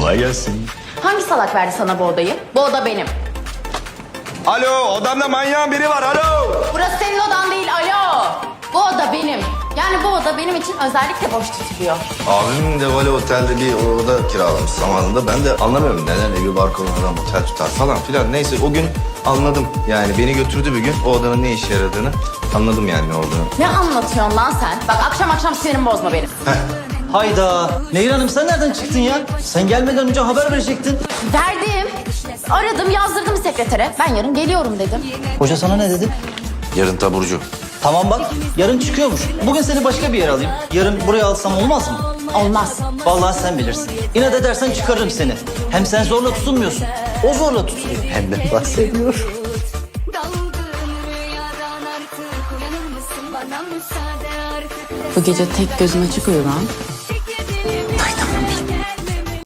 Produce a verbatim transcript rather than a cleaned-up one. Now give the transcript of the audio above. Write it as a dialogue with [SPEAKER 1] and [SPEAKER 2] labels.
[SPEAKER 1] Kolay gelsin.
[SPEAKER 2] Hangi salak verdi sana bu odayı? Bu oda benim.
[SPEAKER 1] Alo, odamda manyağın biri var, alo.
[SPEAKER 2] Burası senin odan değil, alo. Bu oda benim. Yani bu oda benim için özellikle boş tutuluyor.
[SPEAKER 3] Abim de böyle otelde bir oda kiralamış zamanında. Ben de anlamıyorum neden evi barkonu adam otel tutar falan filan. Neyse o gün anladım. Yani beni götürdü bir gün o odanın ne işe yaradığını anladım yani ne olduğunu.
[SPEAKER 2] Ne anlatıyorsun lan sen? Bak akşam akşam sinirimi bozma benim.
[SPEAKER 4] Hayda. Nehir Hanım sen nereden çıktın ya? Sen gelmeden önce haber verecektin.
[SPEAKER 2] Verdim. Aradım, yazdırdım sekretere. Ben yarın geliyorum dedim.
[SPEAKER 4] Hoca sana ne dedi?
[SPEAKER 3] Yarın taburcu.
[SPEAKER 4] Tamam bak yarın çıkıyormuş. Bugün seni başka bir yere alayım. Yarın buraya alsam olmaz mı?
[SPEAKER 2] Olmaz.
[SPEAKER 4] Vallahi sen bilirsin. İnat edersen çıkarırım seni. Hem sen zorla tutunmuyorsun. O zorla tutuluyor. Hem de bahsediyor.
[SPEAKER 2] Bu gece tek gözüm açık uyu lan.